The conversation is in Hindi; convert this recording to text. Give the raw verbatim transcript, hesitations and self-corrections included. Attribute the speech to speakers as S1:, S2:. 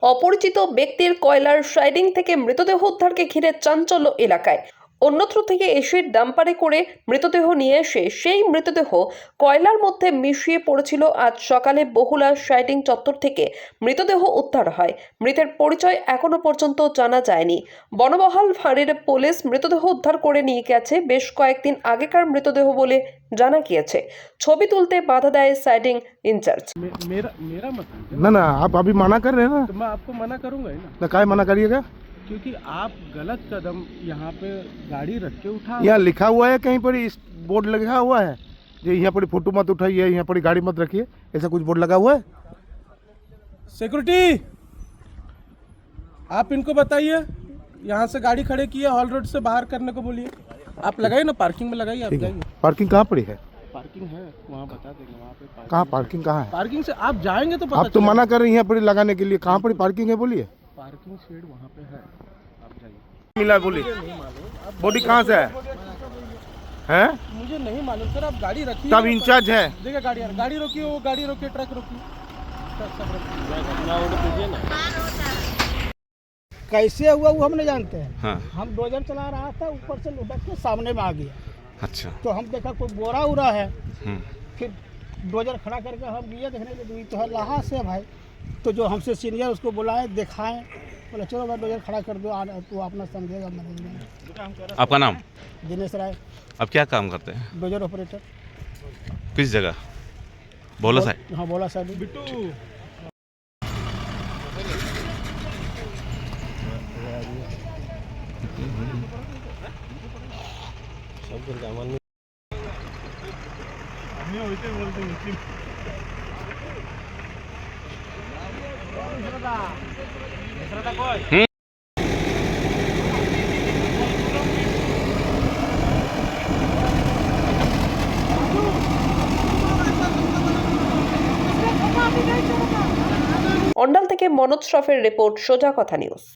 S1: অপরিচিত ব্যক্তির কয়লার সাইডিং থেকে মৃতদেহ উদ্ধারকে ঘিরে চাঞ্চল্য এলাকায়। অন্যত্র থেকে এসে ডাম্পারে করে মৃতদেহ নিয়ে এসে সেই মৃতদেহ কয়লার মধ্যে মিশিয়ে পড়েছিল। আজ সকালে বহুলা সাইডিং চত্বর থেকে মৃতদেহ উদ্ধার হয়। মৃতের পরিচয় এখনো পর্যন্ত জানা যায়নি। বনবহাল ফাঁড়ির পুলিশ মৃতদেহ উদ্ধার করে নিয়ে গেছে। বেশ কয়েকদিন আগেকার মৃতদেহ বলে জানা গিয়েছে। ছবি তুলতে বাধা দেয় সাইডিং इंचार्ज।
S2: मेरा मेरा मत
S3: ना ना आप अभी मना कर रहे हैं ना,
S2: तो मैं आपको मना करूंगा ही ना,
S3: तो काय मना करिएगा।
S2: क्योंकि आप गलत कदम यहाँ पे गाड़ी रख के उठा।
S3: यहाँ लिखा हुआ है कहीं पर, इस बोर्ड लगा हुआ है जो यहाँ पर फोटो मत उठाइए, यहाँ पर गाड़ी मत रखिए, ऐसा कुछ बोर्ड लगा हुआ है।
S2: सिक्योरिटी, आप इनको बताइए यहाँ से गाड़ी खड़े की है, हॉल रोड से बाहर करने को बोलिए। आप लगाइए ना, पार्किंग में लगाइए। आप जाइए।
S3: पार्किंग कहाँ पड़ी है?
S2: पार्किंग है वहाँ, बता देंगे वहाँ पे पार्किंग।
S3: कहाँ पार्किंग कहाँ है?
S2: पार्किंग से आप जाएंगे तो पता
S3: आप तो मना कर रहे हैं यहाँ पर लगाने के लिए, कहाँ पर पार्किंग है बोलिए।
S2: पार्किंग शेड वहाँ पे है, आप जाइए।
S3: मिला बोलिए, बॉडी कहाँ से है? हैं?
S2: मुझे नहीं मालूम सर, आप गाड़ी रखिए।
S3: तब इंचार्ज है।
S2: देखिए गाड़ी गाड़ी रोकिए, वो गाड़ी रोकिए, ट्रक रोकिए, ट्रक सब रोकिए ना।
S4: कैसे हुआ वो हम नहीं जानते हैं।
S5: हाँ।
S4: हम डोजर चला रहा था, ऊपर से लुढ़क के सामने में आ गया।
S5: अच्छा।
S4: तो हम देखा कोई बोरा उरा है,
S5: हम्म।
S4: फिर डोजर खड़ा करके हम गए देखने के लिए, तो है लाहा से भाई। तो जो हमसे सीनियर उसको बुलाए, दिखाएं, बोला चलो भाई डोजर खड़ा कर दो, तो अपना समझेगा मैनेजमेंट।
S5: आपका नाम?
S4: दिनेश राय,
S5: आप क्या काम करते हैं?
S4: Dozer operator.
S5: किस जगह? बोला साहब।
S4: हाँ बोला साहब।
S2: बिट्टू
S1: অন্ডাল থেকে মনোজ শ্রফের রিপোর্ট, সোজা কথা নিউজ।